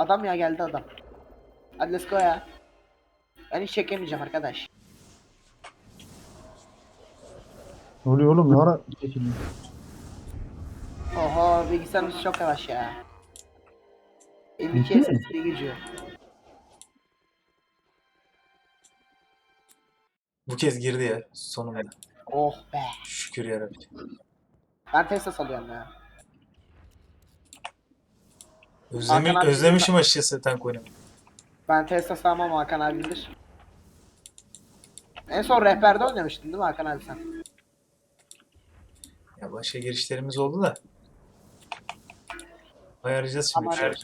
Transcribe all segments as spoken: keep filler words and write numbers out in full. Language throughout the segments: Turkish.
Adam ya, geldi adam. Hadi let's go ya. Ben hiç çekemeyeceğim arkadaş. Ne oluyor oğlum? Ne ara çekildin? Oho, bilgisayarımız çok yavaş ya. elli iki Ciddi mi? S S D geçiyor. Bu kez girdi ya sonunda. Oh be. Şükür yarabbim. Ben Tesla salıyorum ya. Özlemi, Hakan abi özlemişim açıkçası tank oynamayı. Ben Tesla sağmam, Hakan abi bilir. En son rehberde oynamıştın değil mi Hakan abi sen? Ya başka girişlerimiz oldu da. Ayarlayacağız şimdi Ama bir şeyler.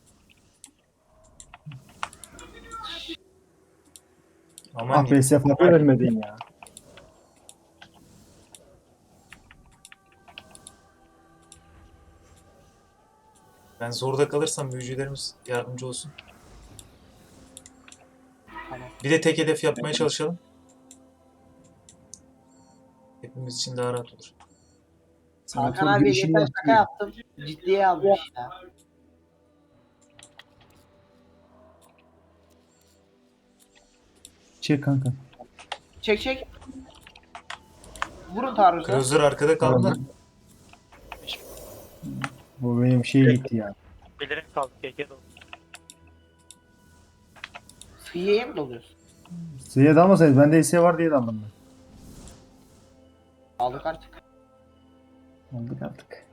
Aman Ah be diyeyim. Sefa ölmedin ya. Ben zorda kalırsam büyücülerimiz yardımcı olsun. Tamam. Bir de tek hedef yapmaya çalışalım. Hepimiz için daha rahat olur. Hakan Sanatör abi girişini geçen yaptı şaka ya. yaptım. Ciddiye almış ya. Çek kanka. Çek çek. Vurun taarruza. Cruiser arkada kaldı da. Bu benim şey gitti ya. Belirim kaldı. Keke dolu. Fiye'ye mi doluyorsun? Size dalmasaydı bende hisse var diye daldım ben. Aldık artık. Aldık artık.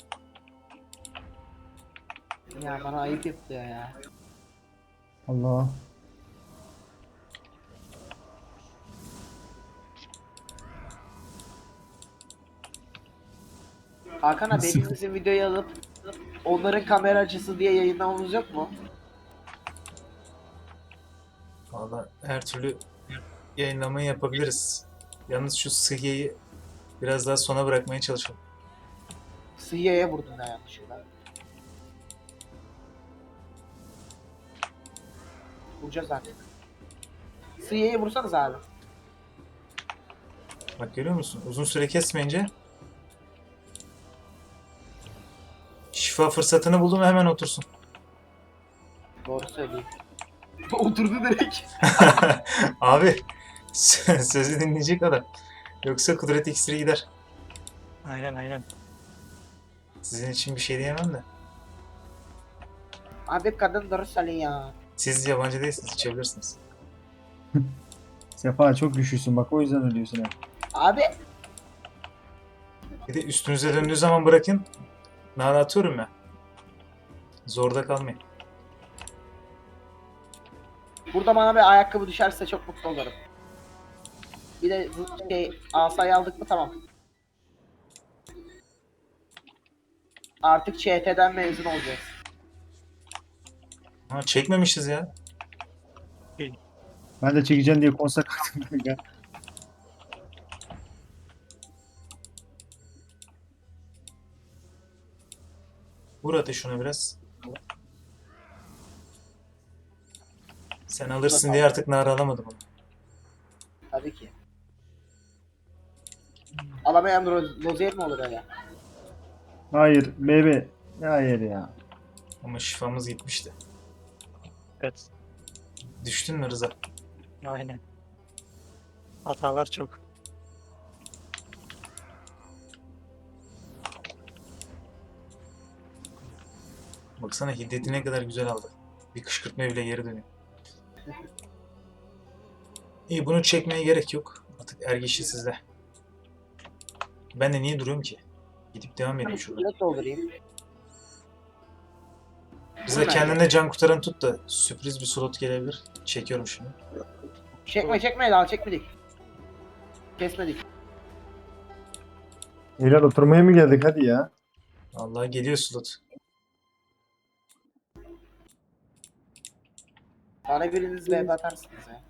Ya bana ayıp yapıyor ya. Allah. Hakan abi Nasıl? hepimizin videoyu alıp onların kamera açısı diye yayınlamamız yok mu? Valla her türlü yayınlamayı yapabiliriz. Yalnız şu sıhhiyeyi biraz daha sona bırakmaya çalışalım. Fiye'ye vurdum ya yanlışlıkla. Vuracağız artık. Fiye'ye vursanız abi. Bak görüyor musun? Uzun süre kesmeyince şifa fırsatını buldum hemen otursun. Doğru söyleyeyim. Oturdu direkt. Abi sözü dinleyecek adam. Yoksa kudret iksiri gider. Aynen aynen. Sizin için bir şey diyemem de. Abi kadın doğru söylüyor ya. Siz yabancı değilsiniz, içebilirsiniz. Sefa çok güçlüsün bak o yüzden ölüyorsun hep. Abi Bir de üstünüze döndüğü zaman bırakın. Nara atıyorum ya. Zorda kalmayın. burada bana bir ayakkabı düşerse çok mutlu olurum. Bir de zı- şey asayı aldık mı tamam. Artık Ç T'den mezun olacağız. Ha, çekmemişiz ya. Ben de çekeceğim diye konser kalktım kanka. Vur ateş şuna biraz. Sen alırsın diye artık Nara alamadım onu. Tabii ki. Alamayan ro- Rozier mi olur öyle? Hayır bebe. Hayır ya. Ama şifamız gitmişti. Evet. Düştün mü Rıza? Aynen. Hatalar çok. Baksana hiddeti ne kadar güzel aldı. Bir kışkırtma bile geri dönüyor. İyi bunu çekmeye gerek yok. Artık ergeçli sizde. Ben de niye duruyorum ki? Gidip devam edeyim şurada. Şöyle doldurayım. Rıza kendine can kurtaran tut da sürpriz bir slot gelebilir. Çekiyorum şimdi. Çekme çekme daha çekmedik. Kesmedik. Helal oturmaya mı geldik hadi ya. Vallahi geliyor slot. Bana biriniz V B atarsınız ya.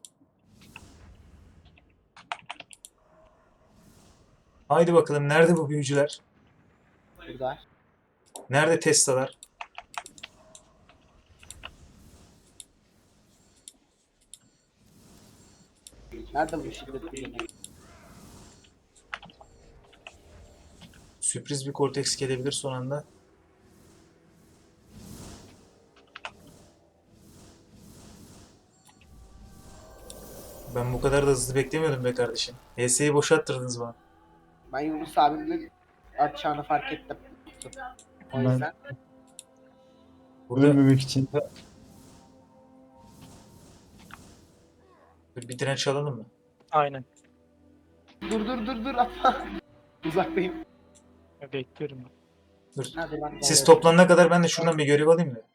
Haydi bakalım nerede bu büyücüler? Burada. Nerede Tesla'lar? Nerede bu şiddet bilgi? Sürpriz bir Cortex gelebilir son anda. Ben bu kadar da hızlı beklemiyordum be kardeşim. H S'yi boşalttırdınız bana. Ben Yunus abimin atacağını fark ettim. O Ben- yüzden. Burada Ölmemek için. bir direnç alalım mı? Aynen. Dur dur dur dur atma. Uzaktayım. Bekliyorum. Dur. Hadi ben Siz toplanana kadar ben de şuradan bir görev alayım mı?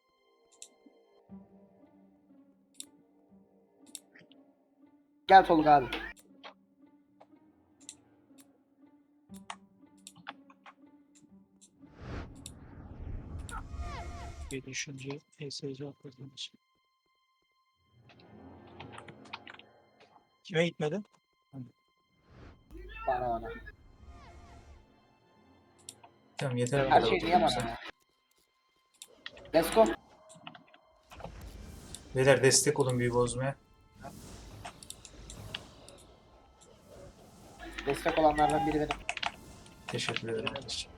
Gel Tolga abi. Bir düşünce E S C atladığım için. Kime gitmedi? Bana bana. Tamam yeter. bu Her kadar şey niye oturduğum bana sen. ya? Let's go. Beyler destek olun büyü bozmaya. Destek olanlardan biri benim. Teşekkür ederim kardeşim.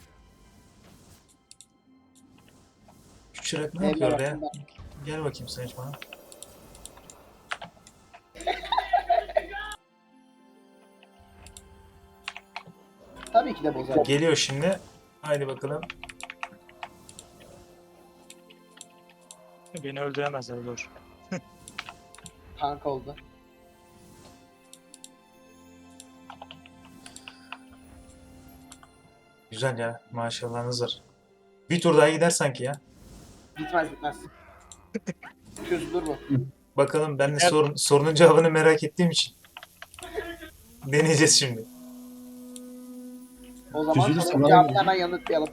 Şu çırak ne Evler yapıyor orada ya? hakkında. Gel bakayım sen hiç bana. Tabii ki de bozar. Geliyor şimdi. Haydi bakalım. Beni öldüremezler dur. Tank oldu. Güzel ya. Maşallahınız var. Bir tur daha gider sanki ya. Gitmez gitmez. Çözülür bu. Bakalım ben de Evet. sorun, sorunun cevabını merak ettiğim için. Deneyeceğiz şimdi. O zaman Çözülürse sorunun bana cevabını verin. hemen yanıtlayalım.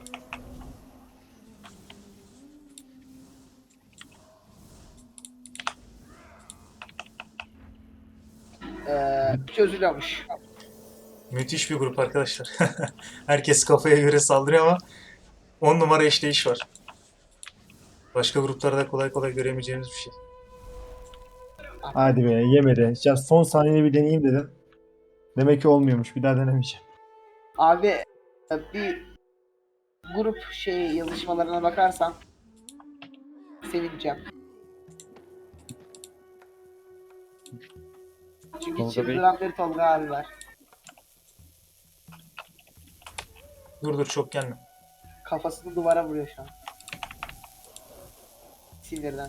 Ee, çözülüyormuş. Müthiş bir grup arkadaşlar. Herkes kafaya göre saldırıyor ama on numara işleyiş var. Başka gruplarda kolay kolay göremeyeceğimiz bir şey. Hadi be yemedi. Ya son saniyede bir deneyeyim dedim. Demek ki olmuyormuş. Bir daha denemeyeceğim. Abi e, bir grup şey yazışmalarına bakarsan sevineceğim. Çünkü Tolga çıldıran bir Tolga abi var. Dur dur çok gelme. Kafasını duvara vuruyor şu an. Sinirden.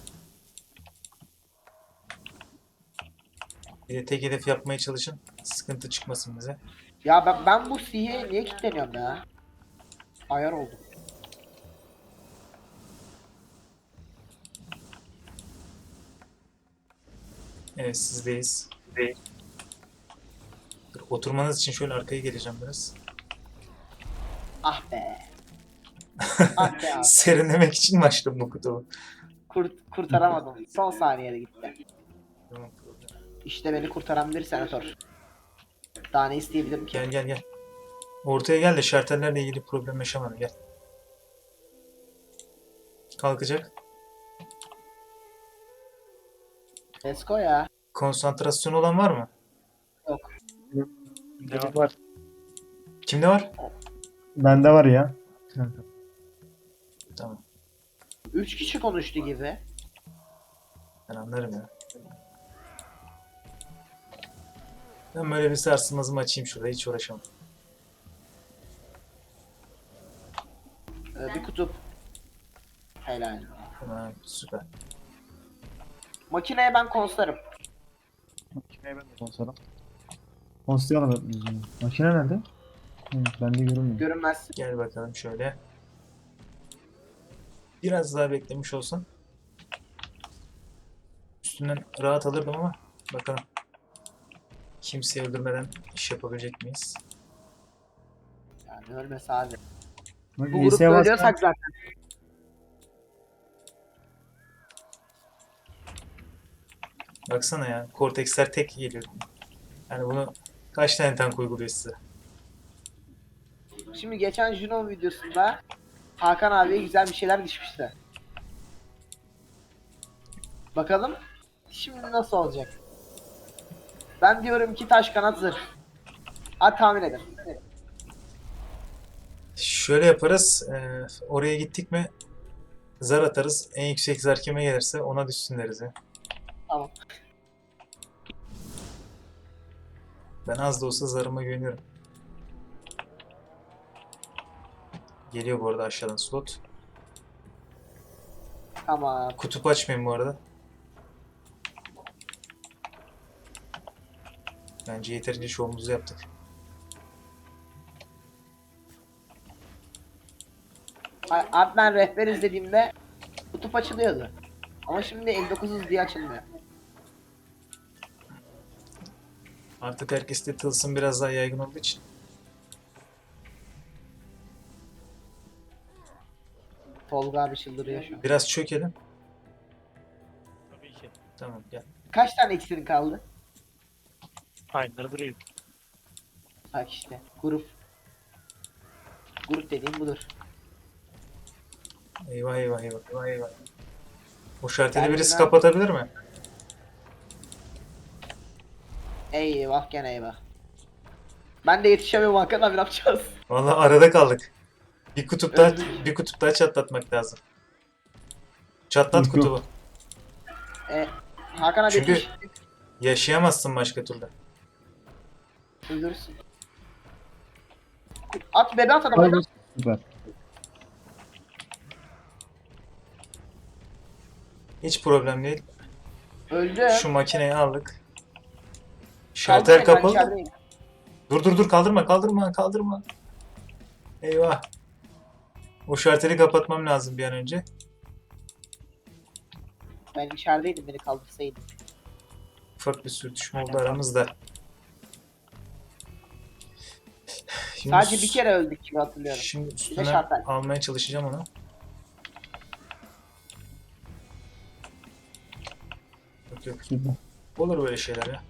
Bir de tek hedef yapmaya çalışın. Sıkıntı çıkmasın bize. Ya ben, ben bu C'ye niye kilitleniyorum ya? Ayar oldum. Evet sizdeyiz. Dur, oturmanız için şöyle arkaya geleceğim biraz. Ah be. Ah be abi. Serinlemek için mi açtım bu kutubu? Kurt, kurtaramadım. Son saniyede gitti. Tamam, problem. İşte beni kurtaran bir senatör. Daha ne isteyebilirim ki? Gel gel gel. Ortaya gel de şartellerle ilgili problem yaşamadım. Gel. Kalkacak. Let's go ya. Konsantrasyon olan var mı? Yok. Devam. Var. Kimde var? Bende var ya. Tamam. Üç kişi konuştu gibi. Ben anlarım ya. Ben böyle bir sarsılmazımı açayım şurada. Hiç uğraşamam. Ee, bir kutup. Helal. Tamam süper. Makineye ben konslarım. Makineye ben de konsolum. Konsoyu alalım. Makine nerede? Hı, bende görünmüyor. Görünmez. Gel bakalım şöyle. Biraz daha beklemiş olsan. Üstünden rahat alırdım ama bakalım. Kimseyi öldürmeden iş yapabilecek miyiz? Yani ölmesi abi. Bak, Bu E grupta S'ye basma. ölüyorsak zaten. Baksana ya. Cortex'ler tek geliyor. Yani bunu kaç tane tank uyguluyor size? Şimdi geçen Juno videosunda Hakan abiye güzel bir şeyler düşmüştü. Bakalım şimdi nasıl olacak? Ben diyorum ki taş kanat zırh. Hadi tahmin edin. Şöyle yaparız. e, oraya gittik mi zar atarız. En yüksek zar kime gelirse ona düşsün deriz ya. Tamam. Ben az da olsa zarıma güveniyorum. Geliyor bu arada aşağıdan slot. Tamam. Kutup açmayın bu arada. Bence yeterince şovumuzu yaptık. A- Abi ben rehber izlediğimde kutup açılıyordu. Ama şimdi elli dokuz diye açılmıyor. Artık herkeste tılsım biraz daha yaygın olduğu için. Tolga abi çıldırıyor şu an. Biraz çökelim. Tabii ki. Tamam gel. Kaç tane iksirin kaldı? Aynıları duruyor. Bak işte grup. Grup dediğim budur. Eyvah eyvah eyvah eyvah eyvah. O şarteli Geldim birisi ben. kapatabilir mi? Eyvah gene eyvah. Ben de yetişemiyorum Hakan abi ne yapacağız? Vallahi arada kaldık. Bir kutup daha, Öldük. bir kutup daha çatlatmak lazım. Çatlat Yok, yok. kutubu. E, Hakan abi Çünkü- yetiş. Yaşayamazsın başka türlü. Öldürürsün. At bebe at Hayır, adamı. süper. Hiç problem değil. Öldü. Şu makineyi aldık. Kaldı Şartel mı? Ben kapalı. içerideyim. Dur dur dur kaldırma kaldırma kaldırma. Eyvah. O şarteli kapatmam lazım bir an önce. Ben içerideydim beni kaldırsaydın. Ufak bir sürtüşme oldu aramızda. Şimdi, Sadece bir kere öldük gibi hatırlıyorum. Şimdi üstüne şartel. almaya çalışacağım onu. Yok yok. Süper. Olur böyle şeyler ya.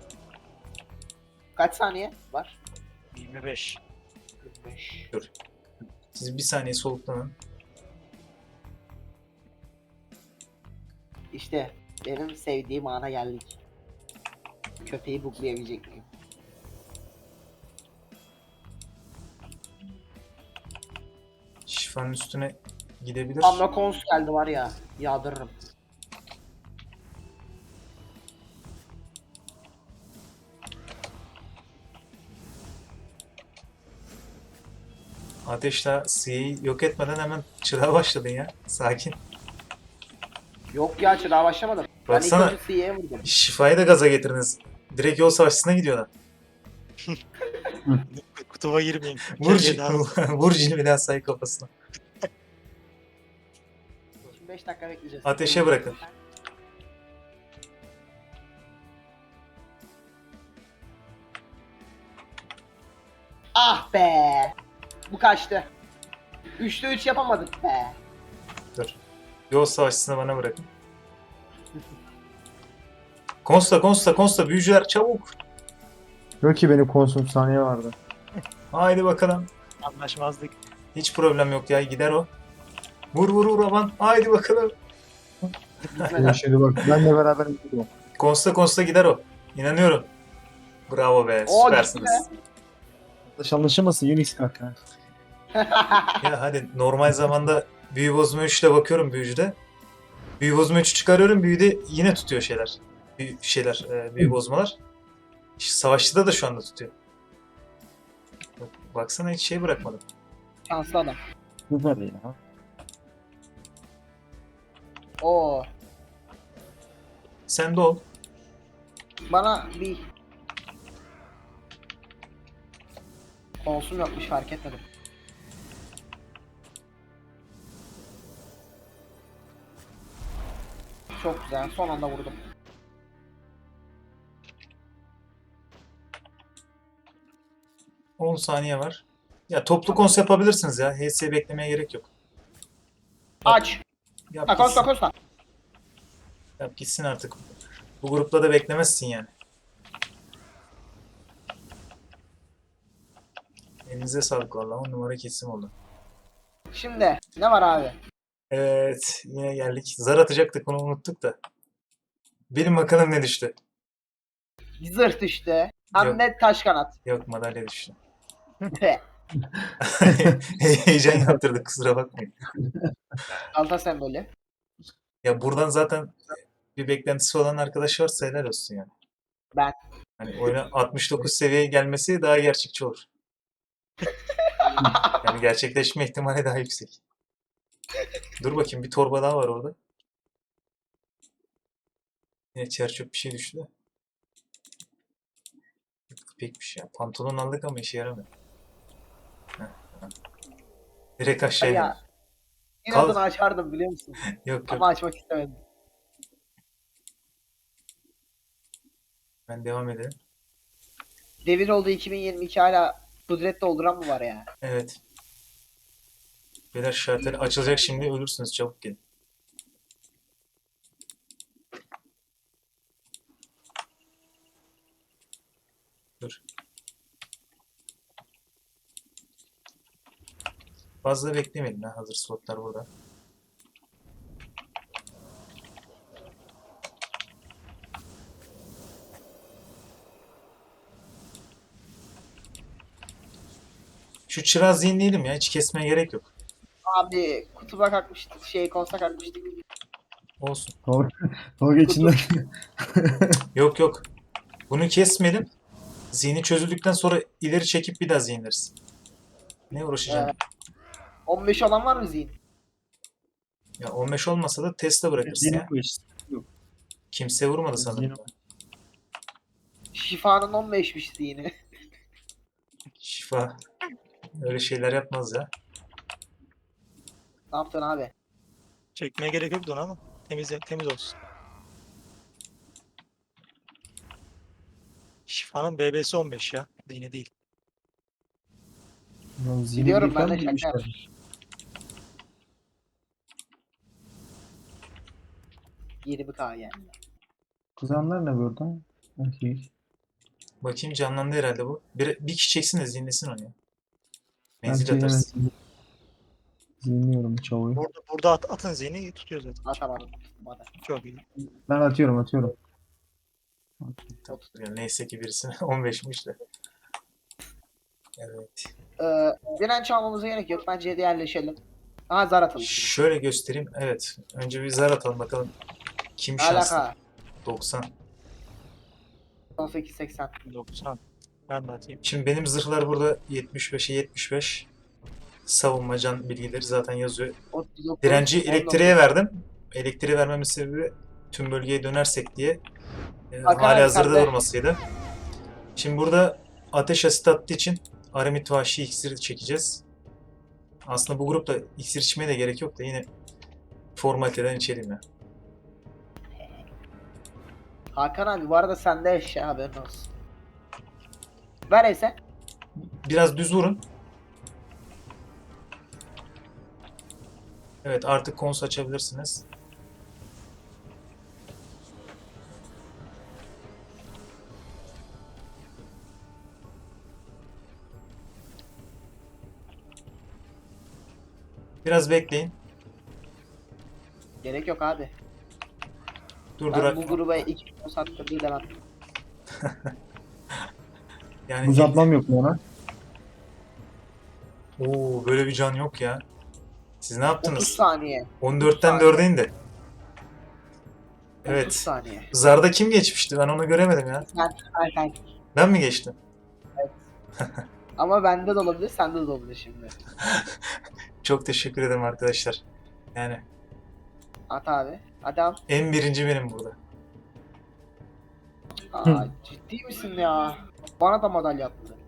Kaç saniye var? yirmi beş. yirmi beş. Siz bir saniye soluklanın. İşte benim sevdiğim ana geldik. Köpeği buklayabilecek miyim? Şifanın üstüne gidebilir. Amma kons geldi var ya. Yağdırırım. Ateşle C'yi yok etmeden hemen çırağa başladın ya. Sakin. Yok ya çırağa başlamadım. Baksana. Ben ilk önce C'ye vurdum. Şifayı da gaza getirdiniz. Direkt yol savaşçısına gidiyorlar. Kutuba girmeyin. Vur, Geriye daha- vur cilveli asayı kafasına. Şimdi beş dakika bekleyeceğiz. Ateşe bırakın. Ah be. Bu kaçtı. Üçte üç yapamadık be. Dur. Yol savaşçısını bana bırakın. Konsta, Konsta, Konsta, büyücüler çabuk. Yok ki benim konsum saniye vardı. Haydi bakalım. Anlaşmazlık. Hiç problem yok ya, gider o. Vur vur vur aman. Haydi bakalım. Benim şimdi bak benle beraber gidiyorum. Konsta, Konsta gider o. İnanıyorum. Bravo be, Oo, süpersiniz. Yanlış anlaşılmasın Unix kanka. Ya hadi normal zamanda büyü bozma üçle bakıyorum büyücüde. Büyü bozma üçü çıkarıyorum, büyüde yine tutuyor şeyler. Büyü, şeyler, e, büyü bozmalar. İşte savaşçıda da şu anda tutuyor. Bak- Baksana hiç şey bırakmadım. Şanslı adam. Süper ya. Oo. Sen de ol. Bana bir konsum yokmuş fark etmedim. Çok güzel. Son anda vurdum. on saniye var. Ya toplu kons yapabilirsiniz ya. H S beklemeye gerek yok. Aç. Yap Ha konsta gitsin. konsta. Yap gitsin artık. Bu grupta da beklemezsin yani. Elinize sağlık valla. on numara kesim oldu. Şimdi ne var abi? Evet. Yine geldik. Zar atacaktık, onu unuttuk da. Bilin bakalım ne düştü. Zırh düştü. Hem de taş kanat. Yok, madalya düştü. Tüh. Heyecan yaptırdık, kusura bakmayın. Alta sembolü. Ya buradan zaten bir beklentisi olan arkadaş varsa helal olsun yani. Ben. Hani oyuna altmış dokuz seviyeye gelmesi daha gerçekçi olur. Yani gerçekleşme ihtimali daha yüksek. Dur bakayım, bir torba daha var orada. Yine çerçöp bir şey düştü de. İpekmiş ya. Pantolon aldık ama işe yaramıyor. Heh, heh. Direkt Hadi aşağıya ya. iner. İnadını Kal. açardım biliyor musun? Yok Ama yok. açmak istemedim. Ben devam edelim. Devir oldu iki bin yirmi iki hala kudret dolduran mı var ya? Evet. Beyler şartları açılacak şimdi, ölürsünüz, çabuk gelin. Dur. Fazla beklemeyin ha, hazır slotlar burada. Şu çırağı zihinleyelim ya, hiç kesmeye gerek yok. Abi kutuba kalkmıştık. Şey konsa kalkmıştık. Olsun. Tolga, Tolga içinden. Yok yok. Bunu kesmeyelim. Zihni çözüldükten sonra ileri çekip bir daha zihinleriz. Ne uğraşacaksın? Ee, on beş olan var mı zihin? Ya on beş olmasa da Tesla bırakırsın ya. Yok. Kimse vurmadı sanırım. Zihni- Şifanın on beşmiş zihni. Şifa. Öyle şeyler yapmaz ya. Ne yaptın abi? Çekmeye gerek yoktu ona ama temiz temiz olsun. Şifanın B B'si on beş ya. Yine değil. Ya zihni Biliyorum, bir ben de falan şaka demişler. yaptım. yirmi K yani. Kızanlar ne burada? Okey. Bakayım, canlandı herhalde bu. Bir, bir kişi çeksin de zihinlesin onu ya. Ben Menzil şey atarsın. hemen zihinliyorum çavuğu. Burada, burada at, atın zihni tutuyor zaten. Atamadım. Hadi. Çok iyi. Ben atıyorum atıyorum. Tamam. Yani neyse ki birisi on beşmiş de. Evet. Ee, direnç almamıza gerek yok. Bence yerleşelim. Aha zar atalım. Şöyle göstereyim. Evet. Önce bir zar atalım bakalım. Kim Ne şanslı? alaka? doksan. on sekiz seksen. doksan. Ben de atayım. Şimdi benim zırhlar burada yetmiş beşe yetmiş beş. Savunma, can bilgileri zaten yazıyor. otuz dokuz, Direnci on dokuz. elektriğe verdim. Elektriğe vermemin sebebi tüm bölgeye dönersek diye. E, Hakan hali abi, hazırda sen de. durmasıydı. Şimdi burada ateş asit attığı için Aramit Vahşi iksiri çekeceğiz. Aslında bu grupta iksir içmeye de gerek yok da yine formaliteden içelim ya. Hakan abi bu arada sende eşya, haberin olsun. Ver ese. Biraz düz vurun. Evet, artık kons açabilirsiniz. Biraz bekleyin. Gerek yok abi. Ben Durdurak. bu gruba iki gün sattırdı demem. Yani Buz atmam yok mu ona? Oo, böyle bir can yok ya. Siz ne otuz yaptınız? saniye. on dörtten dörde indi. otuz Evet. saniye. Zarda kim geçmişti? Ben onu göremedim ya. Sen, sen, sen. Ben mi geçtim? Ama bende de olabilir, sende de olabilir şimdi. Çok teşekkür ederim arkadaşlar. Yani At abi. Hadi al. en birinci benim burada. Aa, ciddi misin ya? Bana da madalya attı.